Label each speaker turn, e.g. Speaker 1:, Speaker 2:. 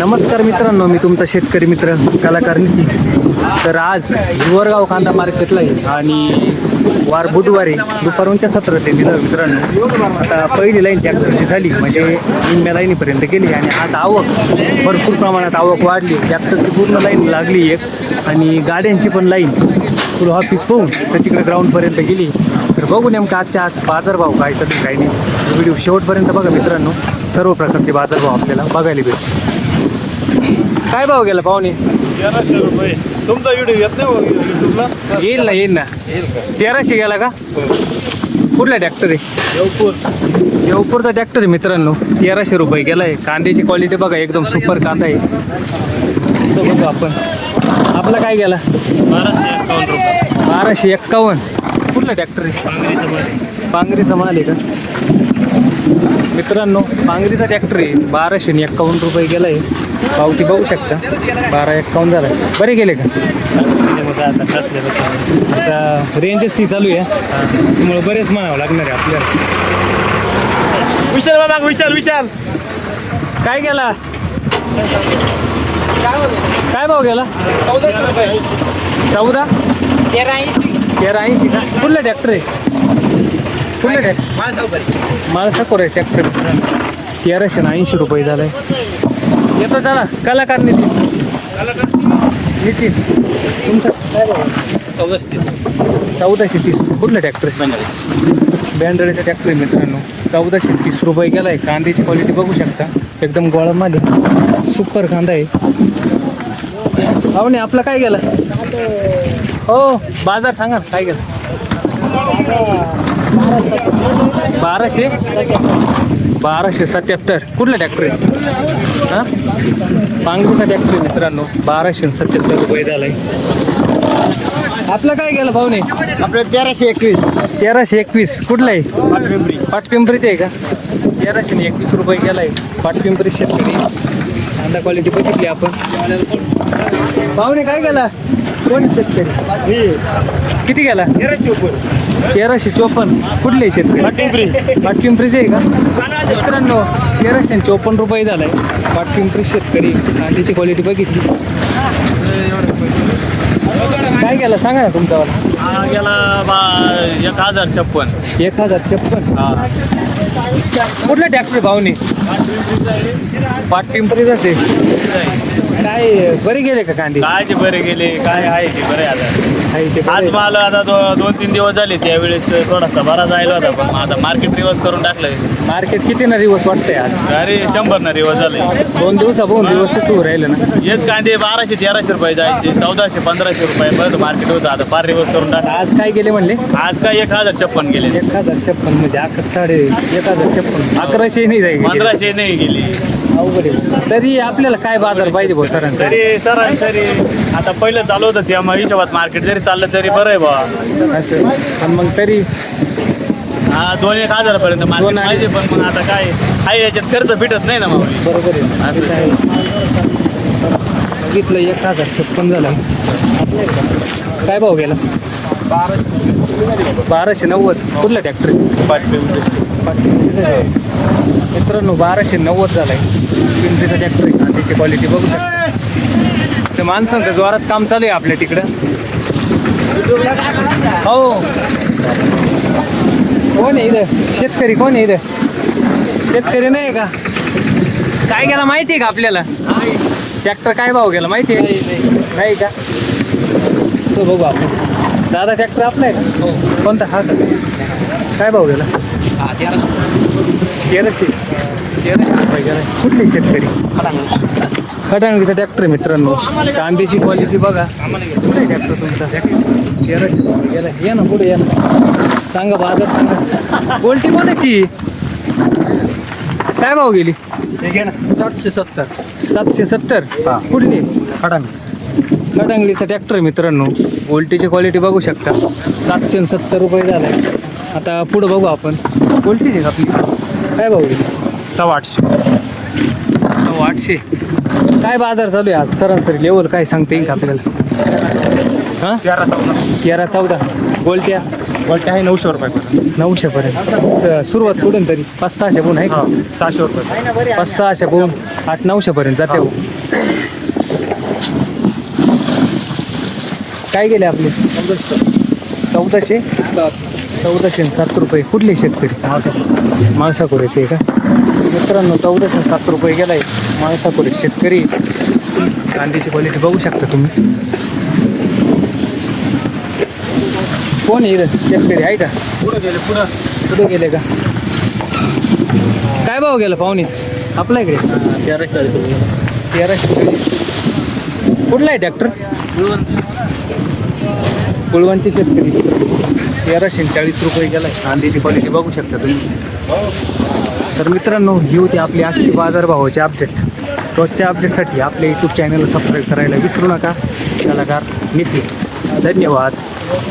Speaker 1: नमस्कार मित्रांनो, मी तुमचा शेतकरी मित्र कलाकार नितीन. तर आज हिवरगाव कांदा मार्केटला आहे आणि वार बुधवारी दुपारच्या 17 ते दिलं मित्रांनो. आता पहिली लाईन ट्रॅक्टरची झाली म्हणजे निम्म्या लाईनीपर्यंत गेली आणि आज आवक भरपूर प्रमाणात आवक वाढली. ट्रॅक्टरची पूर्ण लाईन लागली एक आणि गाड्यांची पण लाईन फुल ऑफिस पाहून तर तिकडे ग्राउंडपर्यंत गेली. तर बघू नेमकं आजच्या आज बाजारभाव काय चालू काही नाही. व्हिडिओ शेवटपर्यंत बघा मित्रांनो, सर्व प्रकारचे बाजारभाव आपल्याला बघायला भेटतील. काय भाव गेला पाहुणे?
Speaker 2: 1300 रुपये. तुमचा व्हिडिओ येत नाही युट्यूबला?
Speaker 1: येईल ना 1300 गेला का? कुठला ट्रॅक्टर आहे? देवपूरचा ट्रॅक्टर आहे मित्रांनो. 1300 रुपये गेला आहे. कांद्याची क्वालिटी बघा, एकदम सुपर कांदा आहे. तो बघू आपण. आपला काय गेला?
Speaker 2: 1251 रुपये.
Speaker 1: 1251. कुठला ट्रॅक्टर आहे? पांगरीचा माल आहे का मित्रांनो? पांगरीचा ट्रॅक्टर आहे. 1251 रुपये गेला आहे. पावती बघू शकता, 1251 झाला. बरे गेले का? आता रेंजच ती चालू आहे त्यामुळे बरेच म्हणावं लागणार आहे आपल्याला.
Speaker 2: विशाल बाबा, विशाल
Speaker 1: काय गेला? काय भाव गेला?
Speaker 3: 1400 रुपये.
Speaker 1: 14? 1380 का? कुठला ट्रॅक्टर आहे? कुठला ट्रॅक्टर? माळसाकोर आहे ट्रॅक्टर. 1380 रुपये झालाय. येतो चला कलाकार नितीन. तुमचं काय भाव? 1430. कुठलं ट्रॅक्टर आहे? बँड्रेचा ट्रॅक्टर आहे मित्रांनो. 1430 रुपये गेला आहे. कांद्याची क्वालिटी बघू शकता, एकदम गोळामध्ये सुपर कांदा आहे. पाहुणे आपला काय गेला? हो बाजार सांगा ना, काय गेला? 1277. कुठला ट्रॅक्टर आहे? हां, पांगरीचा ट्रॅक्टर आहे मित्रांनो. 1277 रुपये झाला आहे. आपला काय गेला पाहुणे?
Speaker 3: आपलं 1321.
Speaker 1: 1321. कुठला आहे? पाटपिंपरीचे आहे का? 1321 रुपये गेला आहे. पाटपिंपरी शेतकरी. कांदा क्वालिटी बघितली आपण. पाहुणे काय गेला? कोण शेतकरी? किती गेला? 1354. कुठले शेतकरी? पाटपिंपरीचे आहे का मित्रांनो? 1354 रुपये झाला आहे. पाटपिंपरी शेतकरी. कांद्याची क्वालिटी बघितली. काय गेला सांगा ना तुमच्यावाला?
Speaker 2: गेला 1056.
Speaker 1: 1056. कुठला ट्रॅक्टर भावने? पाटपिंपरी जाते. काय बरे गेले का कांदे?
Speaker 2: काय ते बरे गेले, काय आहे ते बरे. आता आज मला आता 2-3 दिवस झाले. त्यावेळेस थोडासा बरा जायला होता, पण आता मार्केट रिवर्स करून टाकलंय.
Speaker 1: मार्केट किती ना दिवस वाटतंय आज?
Speaker 2: अरे 100 ना रिवर्स झाले.
Speaker 1: 2 दिवस सुरू राहिलं ना.
Speaker 2: हेच कांदे 1200-1300 रुपये जायचे. 1400-1500 रुपये परत मार्केट होतं. आता फार रिवर्स करून टाकलं.
Speaker 1: आज काय गेले म्हणले?
Speaker 2: आज काय 1056 गेले.
Speaker 1: 1056 म्हणजे 1156. 1100 नाही जाईल.
Speaker 2: 1500 नाही गेली.
Speaker 1: अवघड आहे. तरी आपल्याला काय बाजार पाहिजे भाऊ सरांचा?
Speaker 2: सरासरी आता पहिलं चालू होतं त्यामुळे हिशोबात मार्केट जरी चाललं तरी बरं आहे बा.
Speaker 1: असं पण मग तरी
Speaker 2: हा 2-1 पर्यंत मार्केट पाहिजे. पण मग आता काय आहे, याच्यात खर्च भेटत नाही ना मग.
Speaker 1: बरोबर आहे. असं काय बघितलं 1056 झाला. काय भाव गेला? 1290. कुठला ट्रॅक्टर? मित्रांनो 1290 झालाय. पिंपरीचा ट्रॅक्टर आहे. कांद्याची क्वालिटी बघू शकता. ते माणसांचं जोरात काम चालू आहे आपल्या तिकडं. हो, कोण आहे इथं? शेतकरी कोण आहे इथं? शेतकरी नाही का? काय गेला माहिती आहे का आपल्याला? ट्रॅक्टर काय भाव गेला माहिती आहे? नाही का? तो बघू आपण. दादा ट्रॅक्टर आपला आहे का? हो. कोणता? हा का? काय भाव गेला? 1300 रुपये गेला. कुठले शेतकरी? खटांगीचा ट्रॅक्टर आहे मित्रांनो. कांद्याची क्वालिटी बघा. कुठे ट्रॅक्टर तुमचा? 1300 रुपये गेला. या ना पुढे या ना, सांगा बाजार सांगा. गोल्टी कोणाची? काय भाव गेली?
Speaker 3: 770.
Speaker 1: 770. कुठली? खटांगडीचा ट्रॅक्टर आहे मित्रांनो. गोल्टीची क्वालिटी बघू शकता. 770 रुपये झालाय. आता पुढं बघू आपण. गोल्टीची आहे आपली. काय भाव गेली? 800. काय बाजार चालू आहे आज? सरासरी लेवल काय सांगता येईल का आपल्याला? हां, 13-14 गोल्ट्या.
Speaker 2: गोल्टी आहे 900 रुपये
Speaker 1: 900 पर्यंत सुरुवात कुठून तरी 500-600 पोहून आहे का?
Speaker 2: 600 रुपये
Speaker 1: 500-600 पोहून 800-900 पर्यंत जाते हो. काय गेले आपले 1407 रुपये. कुठले शेतकरी? माळसाकोरे ते का मित्रांनो? 1407 रुपये गेलाय माळसाकोरे शेतकरी. कांद्याची क्वालिटी बघू शकता तुम्ही. कोण आहे इथं शेतकरी आहे का? कुठं गेले का? काय भाव गेला पाहुणे आपल्या इकडे? 1340. कुठला आहे ट्रॅक्टर? कुळवंची शेतकरी 1340 रुपये गेलाय. कांद्याची क्वालिटी बघू शकता तुम्ही. तर मित्रांनो, ही होती आपली आजची बाजारभावाची अपडेट. रोजच्या अपडेटसाठी आपल्या यूट्यूब चॅनलला सबस्क्राईब करायला विसरू नका. कलाकार नितीन. धन्यवाद.